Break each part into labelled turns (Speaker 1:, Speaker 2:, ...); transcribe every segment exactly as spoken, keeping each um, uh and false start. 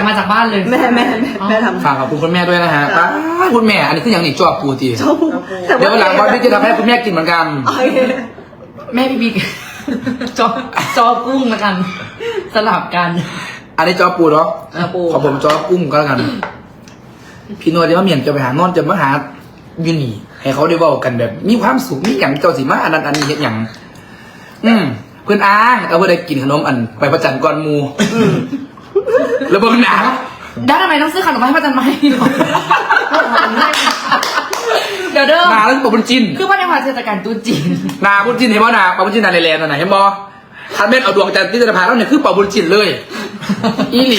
Speaker 1: มาจากบ้านเลย
Speaker 2: แม่แม่แม่แม่ทำ
Speaker 3: ฝากขอบคุณคุณแม่ด้วยนะฮะป้าคุณแม่อันนี้คืออย่างนี้จอบปูตี
Speaker 2: ชอบแต่
Speaker 3: เดี๋ยววันหลังบอสพี่จะทำให้คุณแม่กินเหมือนกัน
Speaker 2: โอเค
Speaker 1: แม่พี่บิ๊ก จอจอกุ้งละกัน สลับกัน
Speaker 3: อันนี้จอบปูเนาะ
Speaker 2: อ่ะปู
Speaker 3: ขอผมจอบกุ้งก็แล้วกัน พี่นวลจะมาเมียนจะไปหานอนจะมาหายูนี่ให้เขาได้เว้ากันแบบ มีความสุขมีอย่างเจ้าสิมาอันนั้นอันนี้เห็นอย่างอืมเพื่อนอ้างเอาเพื่อนได้กินขนมอันไปประจันก่อนหมูแล้วเบิ่งหนัง
Speaker 1: ด้านทำไมต้องซื้อขนมมาให้ป้าจันไหมเดี๋ยวเด้อ
Speaker 3: นาแล้วปะบุญจิน
Speaker 1: คือว่าในวันเทศกาลตรุ๊จีน
Speaker 3: นาบุญจินเห็นบ่นาปะบุญจินนาในแลนด์นั่นน่ะเห็นบ่ทันเม็ดเอาดวงจันทร์ที่จะพาเราเนี่ยคือปะบุญจินเลย อีหลี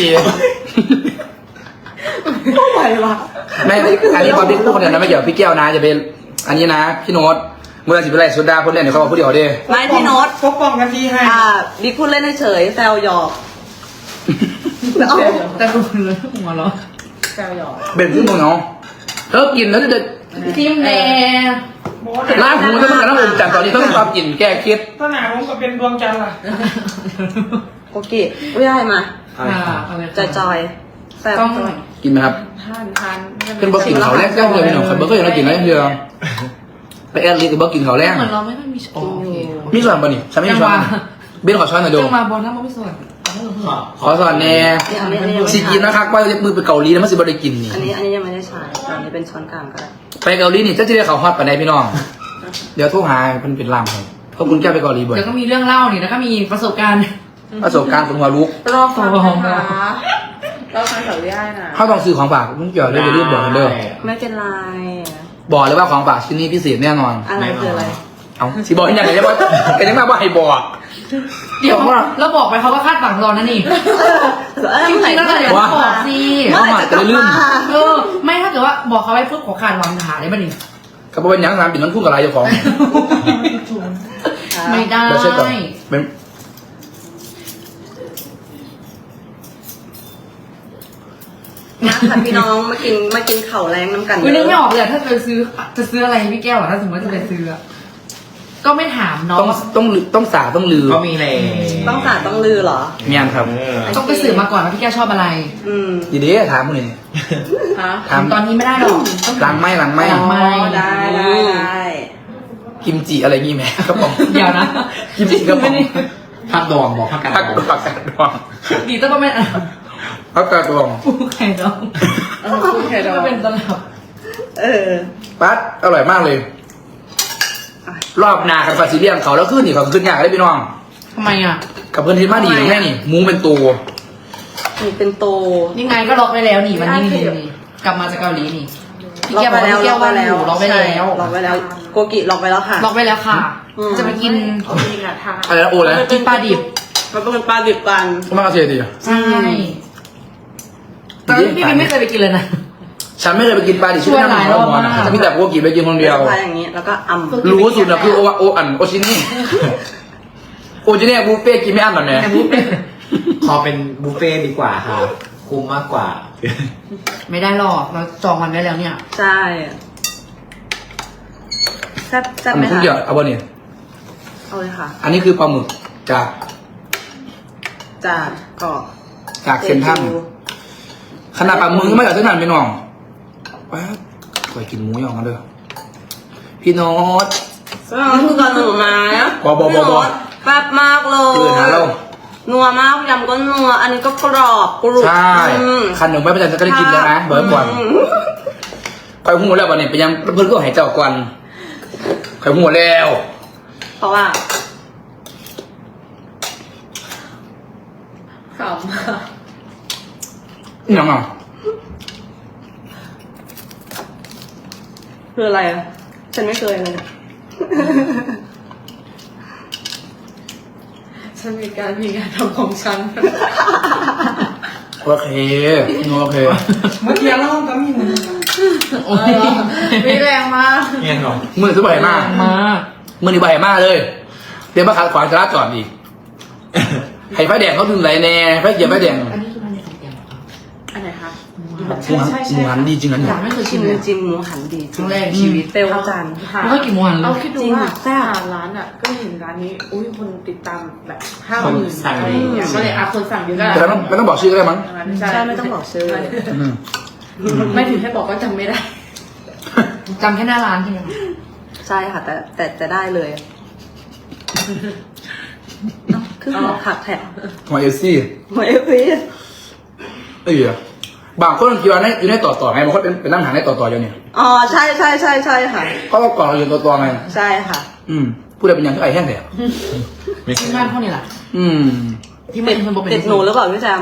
Speaker 2: ไม่ไหววะ
Speaker 3: แม่อันนี้ความที่พูดคนเดียวนะไม่เกี่ยวกับพี่แก้วนะจะเป็นอันนี้นะพี่โน้ตเมื่อสิบเป็นไรสุดาคนเล่นเนี่ยเขาบอกผู้เดียวเด้
Speaker 2: ไม่พี่โน้ต
Speaker 4: ปกป้องกันทีให้
Speaker 2: อ่าบิ๊กพูดเล่นเฉยๆแซวหยอกเอา
Speaker 1: แต่ดูเลยหัวเราะ
Speaker 4: แซวหยอก
Speaker 3: เป็นที่มึงเนาะเธอกินแล้วจะ
Speaker 1: ทิมแน่
Speaker 3: ล้างหูถ้ามันกระนั้นอมจันทร์ตอนนี้ต้องความกินแก้เครียด
Speaker 4: ถ้าหนาผมก็เป็นดวงจันทร์ล่ะ
Speaker 2: โอเคไม่ได้มา
Speaker 1: ค่ะอะไร
Speaker 2: จอยจอยๆแซ่บ
Speaker 1: ต้อง
Speaker 3: กินไหมครับ
Speaker 4: ทานทาน
Speaker 3: เป็นบอกกินเขาแรกแรกเลยพี่น้องคนเบอร์ก็ยังไม่กินแล้วเดียวไปแอดลิกับบอกกินเขาแรก
Speaker 1: เหมือนเราไม่ได้มีโอเค
Speaker 3: มีส่วนป่ะนี่ฉันไม่มีช้อนเบนขอช้อนหน่อยดู
Speaker 1: จังมาบอลน้ำมันไม่ส่วน
Speaker 3: ขอสอนแน่
Speaker 2: นี่อันนี้อันนี้ยังไม่
Speaker 3: สิกิน
Speaker 2: ได้
Speaker 3: นะครับว่าจะมือไปเกาหลีแล้วมันสิบ่ได้กินนี่
Speaker 2: อันนี้อันนี้ยังไม่ได้ใช้อันนี้เป็นช้อนกลางก็ได้
Speaker 3: ไปเกาหลีนี่จะจะได้เขาฮอตปานใดพี่น้อง เดี๋ยวโทรหาเป็นเป็นลำครับเพราะคุณแก้วไปเกาหลีบ่อย
Speaker 1: เดี๋ยวก็มีเรื่องเล่านี่แล้วก็มีประสบการณ์
Speaker 3: ประสบการณ์คนหัวลุก
Speaker 4: รอฟังนะคะรอฟังแถวย่ายนะ
Speaker 3: เขาต้องซื้อของฝากมึงเกี่ยวเลยอย่าลืมบอกกันเด้อ
Speaker 2: ไม่เป็นไร
Speaker 3: บอกเลยว่าของฝากชิ้นนี้พิเศษแน่นอน
Speaker 2: อะไรคืออะไร
Speaker 3: เอาสิบอกอย่างไรจะบอกแต่ยังมาว่าให้บอก
Speaker 1: เดี๋ยวเราบอกไปเขาก็คาดหวังรอนะนี่
Speaker 2: เออ
Speaker 1: จริงๆแล้วเราเดี๋ยว
Speaker 3: ว่า
Speaker 1: บอกสิ
Speaker 3: น้องหมาจะได้ลืม
Speaker 1: เออไม่ถ้าเกิดว่าบอกเขาไว้ปุ๊บขอขาดหวังหาได้ป่ะนี่
Speaker 3: กับเป็นยังน้ำปิดน้ำพุ่งกับอะไรเจ้าของ
Speaker 1: ไม่ได้
Speaker 3: เราเช็คก่อนเป็น
Speaker 2: ค่ะพี่น้องมากินมากินเข่าแรงน้ำกัน
Speaker 1: คุณนึกไม่ออกเลยอะถ้าจะซื้อจะซื้ออะไรให้พี่แก้วอะถ้าสมมติว่าจะไปซื้ออะก็ไม่ถามน้อ
Speaker 3: ต้อง งต้องลือต้องสาต้องลือ
Speaker 5: ก็มีเลย
Speaker 2: ต้องสาดต้องลือเหรอ
Speaker 3: เมียนครับ
Speaker 1: ต้องไปสืบมาก่อนว่าพี่แก้วชอบอะไร
Speaker 2: อืม
Speaker 3: ดีดีถามมึงนี่
Speaker 4: ฮะ
Speaker 3: ถาม
Speaker 1: ตอนนี้ไม่ได้หรอกต้อง
Speaker 3: หลังไม่หลังไม่
Speaker 1: หลังไม่
Speaker 2: ได้ได้ได้
Speaker 3: กิมจิอะไรงี้ไหมครับผม
Speaker 1: เดี๋ยวนะ
Speaker 3: กิมจิครับผม
Speaker 5: พักดองบอกพักกัน
Speaker 3: ผักผักกาดดอง
Speaker 1: ดีต้องก็ไม่อ่ะ
Speaker 3: ผักกาดดอง
Speaker 1: ปูไข่ดอง
Speaker 4: เออพูดแค่ดอ
Speaker 1: ก็
Speaker 4: ก
Speaker 1: เป็นตลับ
Speaker 2: เออ
Speaker 3: ปั๊ดอร่อยมากเลย รอบหนากับฟาซิเลียนเขาแล้วขึ้นนี่เขาขึ้นยากได้พี่น้อง
Speaker 1: ทำไมอ่ะ
Speaker 3: กับเพื่อนที่มาดีแม่นี่หมูเป็นตัว
Speaker 2: นี่เป็นโต
Speaker 1: ยังไงก็ล็อกไปแล้วนี่วันนี้นี่นี่กลับมาจากเกาหลีนี่พี่
Speaker 2: ล็อก
Speaker 1: แก้ว
Speaker 2: ไป
Speaker 1: บอก
Speaker 2: แล้ว
Speaker 1: พี่แก้วว่าหนูล็อกไปแล้ว
Speaker 2: ใช่ล็อกไปแล้ว โกกิล็อกไปแล้วค่ะ
Speaker 1: ล็อกไปแล้วค่ะ
Speaker 2: อืม
Speaker 1: จะไปกิน
Speaker 4: จริงอะทาน
Speaker 3: อะไรนะโอ้แล้ว
Speaker 1: กินปลาดิบ
Speaker 2: มันเป็นปลาดิบกัน
Speaker 3: ก็มากระเทียมดี
Speaker 1: ใช่แต่พี่บิ๊กไม่เคยไปกินเลยนะ
Speaker 3: ฉันไม่เคยไปกินปลาดิบ
Speaker 1: ชวนหลายรอบมาก
Speaker 3: จะมีแต่พวกกินไปกินคนเดียว
Speaker 2: ปลาอย่างนี้ แล้วก็อ่ำ
Speaker 3: รู้สุดนะคือโอโออันโอชินี่โอชินี่บุฟเฟ่กินไม่อั้นหรอแม่
Speaker 5: ขอเป็นบุฟเฟ่ต์ดีกว่าค่ะคุ้มมากกว่า
Speaker 1: ไม่ได้หรอกเราจองวันไว้แล้วเนี่ย
Speaker 2: ใช่แซ่บแซ่บไหม
Speaker 3: ทุก
Speaker 2: คะ
Speaker 3: อย่างเอาบ่เนี่ย
Speaker 2: เอาเลยค่ะ
Speaker 3: อันนี้คือปลาหมึกจาก
Speaker 2: จากเกาะ
Speaker 3: จากเซนทรัลขนาดปลาหมึกก็ไม่จากเซนทรัลพี่น้องป๊าบคอยกินหมูยองกันเด้อพี่โน้ต
Speaker 2: แล้วคือก่อนหนูมานะ
Speaker 3: บอบอบอบอ
Speaker 2: แซ่บมากเล
Speaker 3: เพื่อน
Speaker 2: ย
Speaker 3: หาเรา
Speaker 2: นัวมากยำก็นัว อันนี้ก็กรอบกรุบ
Speaker 3: ใช่
Speaker 2: อืม
Speaker 3: คันหนึ่งไม่ประจันจะได้กินแล้วนะเบิร์ดก่อน
Speaker 2: อืม
Speaker 3: คอยหูแล้ววันนี้ไปยังเพื่อนก็หายเจ้าก่อนคอยหูแล้ว
Speaker 2: เพราะว่า
Speaker 4: ขำ
Speaker 3: นี่น้องอ่ะ
Speaker 2: คืออะไรอ่ะ ฉันไม่เคยเลย
Speaker 4: ฉันมีการมีงานทำของฉัน
Speaker 3: โอเคโอเค
Speaker 4: เมื่อกี้เล่าก็มีหนึ่ง
Speaker 1: โอ้ย
Speaker 4: มีแรงมาก
Speaker 5: เงี้ยหรอ
Speaker 3: มือซื้อใบมาก
Speaker 1: มาก
Speaker 3: มือนี่ใบมากเลยเดี๋ยวมาขัดขวางจราจรอีกให้ไฟแดงเขาถึงไหนแน่ไฟเขียวไฟแดง
Speaker 1: อันนี้คือมันในของแก้วเหรอคะ
Speaker 4: อันไหนคะ
Speaker 3: หมูหันหมูหันดีจริงนะเนี่
Speaker 1: อย ยากไม่เคย
Speaker 2: ชิ
Speaker 1: ชิ
Speaker 2: ม
Speaker 1: มเลย
Speaker 2: จิ้มหมูหันดี
Speaker 1: ครั้งแรกในชีวิต
Speaker 2: เปรี้ยวจัน
Speaker 1: ไม่ค่อยกินหมูหันเล
Speaker 4: เรา
Speaker 1: ย
Speaker 4: คิดดู
Speaker 2: จริง
Speaker 4: ว่า
Speaker 2: แซ่บ
Speaker 4: หาร้านอ่ะ ก็เห็นร้านนี้ อุ้ยคนติดตามแบบห้าหมื่นอะไรอย่างเงี้ยก็เลยอ่ะคนสั่งเยอะก็
Speaker 3: แต่ไม่ต้องไม่ต้องบอกชื่อก็ได้มั้ง
Speaker 2: ใช่ไม่ต้องบอกชื่อ
Speaker 3: อืม
Speaker 4: ไม่ถึงให้บอกว่าจำไม่ได้
Speaker 1: จำแค่หน้าร้านใช่ไหมคะ
Speaker 2: ใช่ค่ะ แต่แต่แต่ได้เลยเอ้าคือหัวผักแถบ
Speaker 3: หัวเอลซี่
Speaker 2: หัวเอฟพี
Speaker 3: เอ้ยบางคนคิดว่าในอยู่ในต่อต่อไงบางคนเป็นเป็นนั่งหางในต่อต่ออยู่เนี่ย
Speaker 2: อ๋อใช่ใช่ใช่ใช่ค่ะ
Speaker 3: เขาก็ก่อนเราอยู่ต่อต่อไง
Speaker 2: ใช่ค่ะ
Speaker 3: อืมพูดอะไรเป็นอย่างที่ไอ้แห้งเลย
Speaker 1: ที่บ้านพวกนี้แหละ
Speaker 3: อืม
Speaker 1: ที่ไม่เป็นคนบอกเป็น
Speaker 2: ติดหนูหรือเปล่าพี่แจม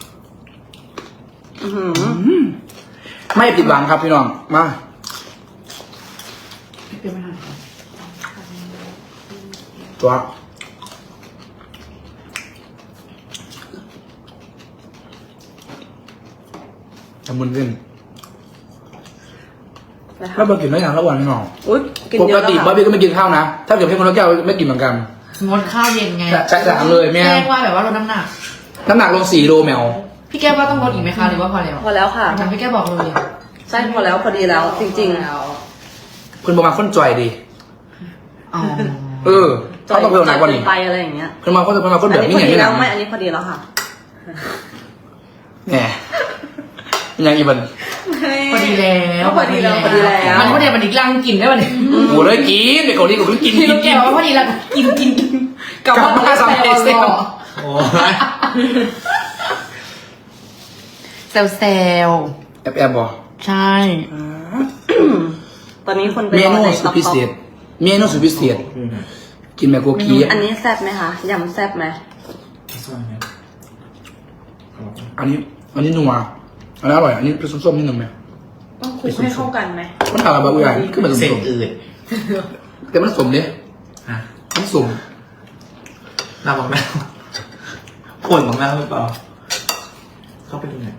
Speaker 2: อื้อหือ
Speaker 3: อืมไม่ผิดหวังครับพี่น้องมา
Speaker 1: เป็นไม่ทัน
Speaker 3: ตัวทำบุญขึ้น
Speaker 2: นะคะ
Speaker 3: แล้วมากินได้อย่างระหว่างพี่น้อง
Speaker 2: อุ้ยกิน
Speaker 3: ป
Speaker 2: เย
Speaker 3: ก
Speaker 2: อะแล้ว
Speaker 3: ติ
Speaker 2: ค่ะ
Speaker 3: บาร์บี้ก็ไม่กินข้าวนะ ถ้าเกิดให้คนละแก้วไม่กินเหมือนกัน
Speaker 1: งดข้าวเย็นไง
Speaker 3: ใช่ใช่ถามเลยแม่
Speaker 1: แจ้งว่าแบบว่าลดน้ำหนัก
Speaker 3: น้ำหนักลงสี่โลแมว
Speaker 1: พี่แก้วว่าต้องลดอีกไหมคะหรือว่าพอแล้ว
Speaker 2: พอแล้วค่ะ
Speaker 1: ทางพี่แก้วบอกเลย
Speaker 2: ใช่พอแล้วพอดีแล้ว จริง
Speaker 3: คุณประมาณคนจ่อยดี
Speaker 1: อ๋อ
Speaker 3: เออ
Speaker 2: ๆ
Speaker 3: เขาต้องเพิ่มหนักกว่านี้
Speaker 2: ไปอะไรอย่างเงี้ย
Speaker 3: คุณมาคนคุณมาคน
Speaker 2: อั
Speaker 3: แบ
Speaker 2: น
Speaker 3: บ
Speaker 2: นี้
Speaker 3: นี้
Speaker 2: พอ
Speaker 3: อย่าง
Speaker 2: ดี
Speaker 3: นี้
Speaker 2: แล้
Speaker 3: นะ
Speaker 2: วไม่อันนี้พอดีแล้วค่ะ
Speaker 3: แหมอย่างอีบัน
Speaker 1: พอดีแล้ว
Speaker 2: พอดีแล้วพอดีแล้ว
Speaker 1: มันพอดีมันอีกลังกินได้ป่ะเนี่ย
Speaker 3: โอ้เลยกินเด็กเกาหลีก็กิน
Speaker 1: พี่
Speaker 3: กิ
Speaker 1: ลู
Speaker 3: น
Speaker 1: ก
Speaker 3: กิ
Speaker 1: แก้
Speaker 3: น
Speaker 1: วว่าพอดีแล้วกินกินกินกลับ
Speaker 3: กลับมา
Speaker 1: บ้าน
Speaker 3: สามเอสเอ็ม
Speaker 5: โอ้ย
Speaker 1: เซลเซล
Speaker 3: แอบแอบบอก
Speaker 1: ใช่
Speaker 2: ตอนนี้คนไป
Speaker 3: เม
Speaker 2: รอ
Speaker 3: นู
Speaker 2: ใน
Speaker 3: สุ
Speaker 2: ต๊
Speaker 3: ด
Speaker 2: อก
Speaker 3: พิเศษเมนูสุดพิเศษกินแบบโกกี
Speaker 2: อันนี้แซ่บไหมคะยำแซ่บไหม
Speaker 3: อันนี้ อันนี้นัวอันนี้อร่อยอันนี้เป็นส้มๆนิดนึงไหม
Speaker 4: ต้องคลุกให้เข้ากันไหม
Speaker 3: มันทำอะไรบ้างอุ้ยขึ้นมา
Speaker 5: เส้น
Speaker 3: สม
Speaker 5: อืด
Speaker 3: ๆแต่มันสมเนี่ย
Speaker 5: ฮะ
Speaker 3: มันสม
Speaker 5: น้ำบักแมวผลบักแมวหรือเปล่า เข้าไปดูหน่อย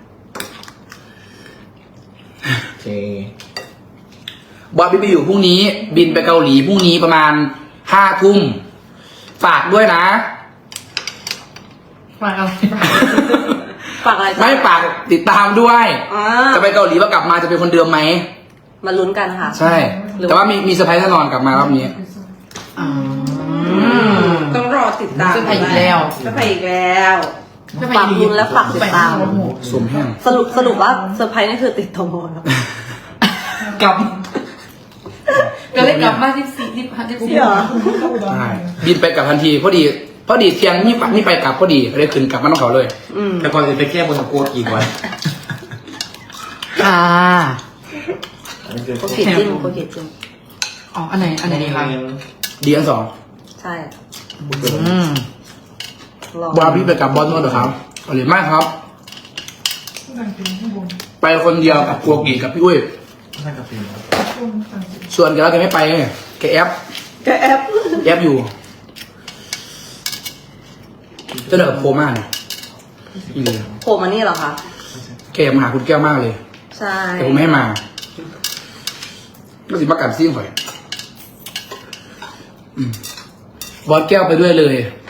Speaker 5: โอเค
Speaker 3: บอสบิบอยู่พรุ่งนี้ บินไปเกาหลีพรุ่งนี้ประมาณห้าทุ่มฝากด้วยนะ
Speaker 1: ฝากอะไร
Speaker 2: ฝากอะไรจ๊ะ
Speaker 3: ไม่ฝากติดตามด้วย
Speaker 2: อ่า
Speaker 3: จะไปเกาหลีว่ากลับมาจะเป็นคนเดิมไหม
Speaker 2: มาลุ้นกันค่ะ
Speaker 3: ใช่ แต่ว่ามีมีเซอร์ไพรส์แน่นอนกลับมารอบนี้
Speaker 1: อ๋อ
Speaker 4: ต้องรอติดตาม
Speaker 1: จะไปอีกแล้ว
Speaker 4: จะไปอีกแล้ว
Speaker 2: ฝากลุ้นและฝากติดตาม
Speaker 3: สมแห้ง
Speaker 2: สรุปสรุปว่าเซอร์ไพรส์นี่คือติดโทรแล้ว
Speaker 1: กลับก็เลยกลับมาที่สี่ที่พันที่สี่
Speaker 2: เหรอ
Speaker 3: ใช่บินไปกลับทันทีพอดี พอดีเที่ยงนี่ไปนี่ไปกลับพอดีเลยขึ้นกลับมาต้องเขาเลย
Speaker 2: อืม
Speaker 5: แต่ก่อนจะไปแก้บนกับกลัวกี่วัน
Speaker 1: ค่ะ
Speaker 5: อันนี้คือ
Speaker 2: โอเคจิ้มโอเคจิ้ม
Speaker 1: อ๋ออันไหนอันไหนดีคะ
Speaker 3: ดีอันสอง
Speaker 2: ใช่
Speaker 1: อืม
Speaker 2: ลอง
Speaker 3: บาร์บี้ไปกับบอสนวดเหรอครับเกาหลีมากครับ ไปคนเดียวกับกัวกีกับพี่อุ้ย
Speaker 5: นั่นกับปีน
Speaker 3: ส่วนแกแล้วแกไม่ไปไงแกแอป
Speaker 2: แกแอป
Speaker 3: แอปอยู่เจะเดินโคม่าเนี่ยอีเลย
Speaker 2: โผล่มานี่เหรอคะ
Speaker 3: แกอยากมาหาคุณแก้วมากเลย
Speaker 2: ใช่
Speaker 3: แต่ผมไม่ให้มาก็สิมากัดซิ่งข่อยอืมบอสแก้วไปด้วยเลย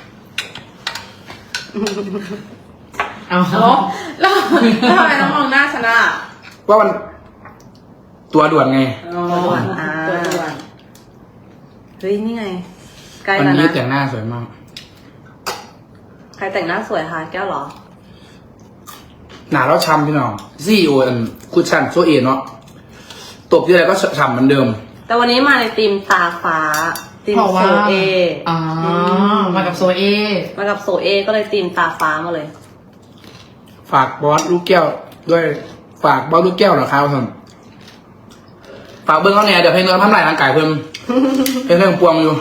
Speaker 1: เอา
Speaker 4: เนาะแล้วแล้วทำไมต้องมองหน้าฉันอ่ะ
Speaker 3: ว่ามันตัวด่วนไง
Speaker 4: อ๋อตัวด่วน
Speaker 2: เฮ้ยนี่ไงใกล้
Speaker 3: วัน
Speaker 2: แล้ว
Speaker 3: นี้
Speaker 2: นะ
Speaker 3: แต่งหน้าสวยมาก
Speaker 2: ใครแต่งหน้าสวยคะแก้วเหรอ
Speaker 3: หนาแล้วช้ำพี่น้องซีโออันคุชชั่นโซเอเนาะตบที่ไรก็ฉ่ำเหมือนเดิม
Speaker 2: แต่วันนี้มาในธีมตาฟ้าธีม
Speaker 1: เพราะ
Speaker 2: โซ
Speaker 1: ว่า
Speaker 2: เอ
Speaker 1: อ๋อมากับโซเอ
Speaker 2: มากับโซเอก็เลยธีมตาฟ้ามาเลย
Speaker 3: ฝากบอสลูกแก้วด้วย ฝากบอสลูกแก้วนะครับท่านฝากเบิ้งเขาเนี่ยเดี๋ยวเพลงเงินทำลายร่างกายเพิ่ม เป็นเรื่องปวงอยู่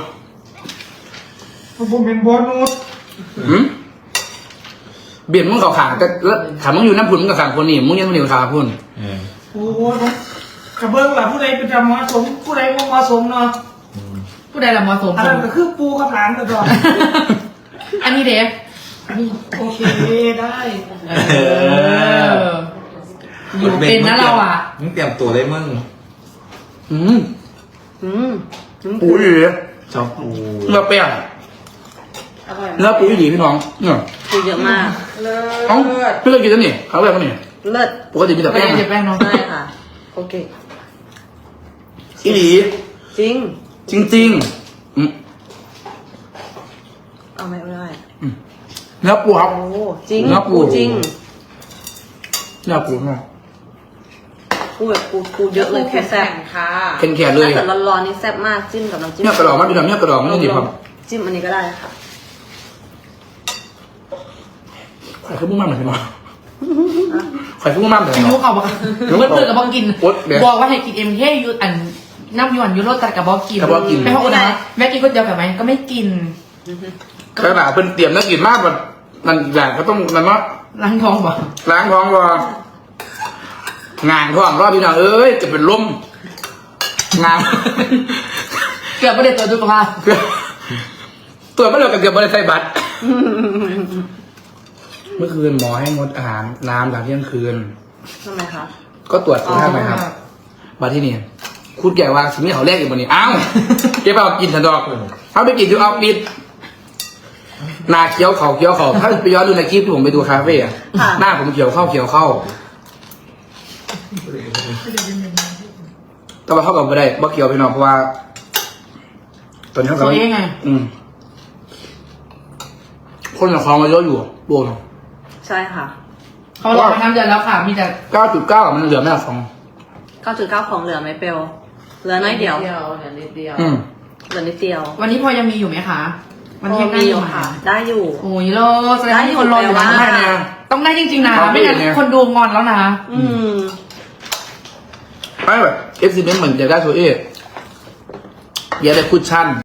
Speaker 6: ผมเป็นบอนุส
Speaker 3: หืมเบียดมึงเขาขาแต่แล้วถามมึงอยู่น้ำพุ่นมึงกับขางคนนี่มึงยังมึงอยู่ขาพุ่น
Speaker 5: เออ
Speaker 6: โอ้โหกระเบื้องหล่ะผู้ใดเป็นจำเหมาะสมผู้ใดบ่เหมาะสมเนาะ
Speaker 1: ผู้ใดละเหมอสม
Speaker 6: อันนั้นก็คือปูกับหลานกันก่อน
Speaker 1: อันนี้เดฟ
Speaker 6: โอเคได้
Speaker 1: เอออยู่เป็นนะเราอ่ะ
Speaker 5: มึงเตรียมตัวได้มึง
Speaker 3: อืม
Speaker 2: อืมอืม
Speaker 3: ปูอีหลี
Speaker 5: ชอบปู
Speaker 3: เนื้อเปรี้ยว
Speaker 4: อร่อย
Speaker 3: เนื้อปูอีหลีพี่น้องเนี่ย
Speaker 2: คือเยอะมาก
Speaker 4: เลิ
Speaker 3: เอ้า
Speaker 4: ศ
Speaker 3: ไม่เคยกินแล้วนี่ครั้งแรกมั้งนี่
Speaker 2: เลิศ
Speaker 3: ปกติมีแต่
Speaker 1: ไม่
Speaker 3: แป้ง
Speaker 1: ได้เจ็บแป้งเนาะ
Speaker 2: ใช่ค่ะ โอเค
Speaker 3: อีหลี
Speaker 2: จริง
Speaker 3: จริงๆอืม
Speaker 2: เอาไม่ได้
Speaker 3: เนื้อปูครับ
Speaker 2: โอ้จริง
Speaker 3: เนื้อปู
Speaker 2: จริง
Speaker 3: เนื้อปูเนาะ
Speaker 2: ปูแบบปูปูเยอะเลยปูแซ่บ
Speaker 4: ค่ะ
Speaker 3: แข็งๆเลย
Speaker 2: ถ้าเกิดร้อนๆนี่แซ่บมากจิ้มกับน้ำจิ้ม
Speaker 3: เนื้อกระดองมันดูแบบเนื้อกระดองมันนี่ครับ
Speaker 2: จิ้มอันนี้ก็ได้ค่ะ
Speaker 3: ไข่ขึ้นมุ่งมั่นเหมือนกันเนาะไข่ขึ้นมุ่งมั่นเหมือนกัน
Speaker 1: ยู
Speaker 3: เนาะ
Speaker 1: เขาบอกเมื่อเปิดกับบอกกิน
Speaker 3: โอ๊ตเดี๋ยว
Speaker 1: บอกว่าให้กินเอ็มเคยูอันน้ำยวนยูโรตัดกับบอกกิน
Speaker 3: กับบอกกิน
Speaker 1: ไม่พอนะแม่กินก๋วยเตี๋ยวกับไหมก็ไม่กิน
Speaker 3: ขนาดเพิ่นเตรียมนักกินมากมันมันอยากก็ต้องมันว่า
Speaker 1: ล้างท้องบอก
Speaker 3: ล้างท้องว่งานท้องรอบพี่น้องเอ้ยจะเป็นลมงาน
Speaker 1: เกือบไม่ได้ตัวจุกภาพ
Speaker 3: เกือบตัวไม่เหลือกับเกือบบริษัทบัตรเมื่อคืนหมอให้งดอาหารน้ำหลังเที่ยงคืน
Speaker 2: ทำไมคะ
Speaker 3: ก็ตรวจสุขภาพไหมครับบัตรที่นี่คุณแก่ว่าสิ่งที่เขาแรกอยู่บนนี้อ้าวเก็บเอากินสันดอกเอาไปกินดูเอาปิดหน้าเขียวเขาเขียวเขาถ้าไปย้อนดูในคลิปที่ผมไปดูคาเฟ่อะหน้าผมเขียวเข้าเขียวเข้าแต่ว่าเข้ากับไม่ได้บ่เกี่ยวพี่น้องเพราะว่าตอนนี้เขา
Speaker 1: ตัวเองไง
Speaker 3: อืมคนกับของมาเยอะอยู่โบน
Speaker 2: ใช่ค่ะ
Speaker 1: เขาลองมาทำเดือนแล้วค่ะ มีแต่
Speaker 3: เก้าจุดเก้ามันเหลือไม่ละสอง
Speaker 2: เก้าจุดเก้าของเหลือไหมเปลวเหลือน้อยเดียว
Speaker 4: เดียวเหลือนิดเดียว
Speaker 3: อืม
Speaker 2: เหลือนิดเดียว
Speaker 1: วันนี้พอยังมีอยู่ไหมคะวัน
Speaker 2: พ
Speaker 1: นี้
Speaker 2: อ
Speaker 1: ยังได้
Speaker 2: มี
Speaker 1: อ
Speaker 2: อยู่ ยู่
Speaker 1: ค่ะ
Speaker 2: ค่ะ ได้อยู่
Speaker 1: โอ้ยโลแสดงว่ามีคนรออยู่นะ
Speaker 2: ได้อยู่
Speaker 3: ได้เนี่ย
Speaker 1: ต้องได้จริงๆนะ
Speaker 3: ต้องได้
Speaker 1: ไม่งั้น
Speaker 3: เนี่ย
Speaker 1: คนดูงอนแล้วนะ
Speaker 2: อืม
Speaker 3: ไม่แบบเอฟซีเมนเหมือนจะได้โซเออยากได้คุชชั่น